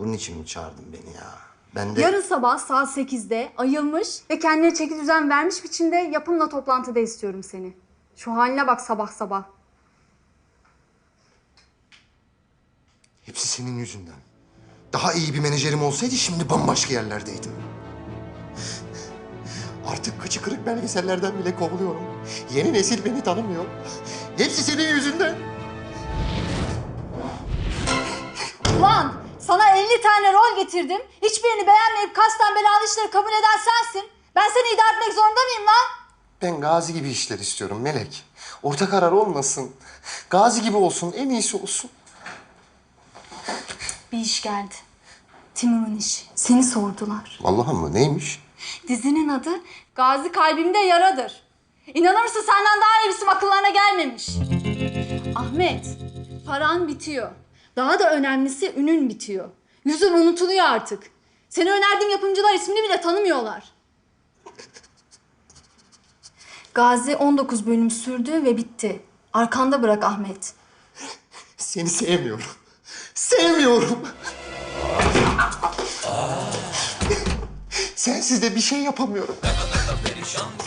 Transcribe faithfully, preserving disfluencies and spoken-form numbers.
Bunun için mi çağırdın beni ya? Ben de... Yarın sabah saat sekizde ayılmış ve kendine çeki düzen vermiş biçimde yapımla toplantıda istiyorum seni. Şu haline bak sabah sabah. Hepsi senin yüzünden. Daha iyi bir menajerim olsaydı şimdi bambaşka yerlerdeydim. Artık kıçı kırık belgesellerden bile kovuluyorum. Yeni nesil beni tanımıyor. Hepsi senin yüzünden. Ulan sana elli tane rol getirdim. Hiçbirini beğenmeyip kasten belalı işleri kabul eden sensin. Ben seni idare etmek zorunda mıyım lan? Ben Gazi gibi işler istiyorum Melek. Orta karar olmasın. Gazi gibi olsun, en iyisi olsun. Bir iş geldi. Timur'un işi. Seni sordular. Vallahi mı? Neymiş? Dizinin adı Gazi Kalbimde Yaradır. İnanır mısın senden daha iyi isim akıllarına gelmemiş. Ahmet, paran bitiyor. Daha da önemlisi ünün bitiyor. Yüzün unutuluyor artık. Seni önerdiğim yapımcılar ismini bile tanımıyorlar. Gazi on dokuz bölüm sürdü ve bitti. Arkanda bırak Ahmet. Seni sevmiyorum. Sevmiyorum. Sensiz de bir şey yapamıyorum.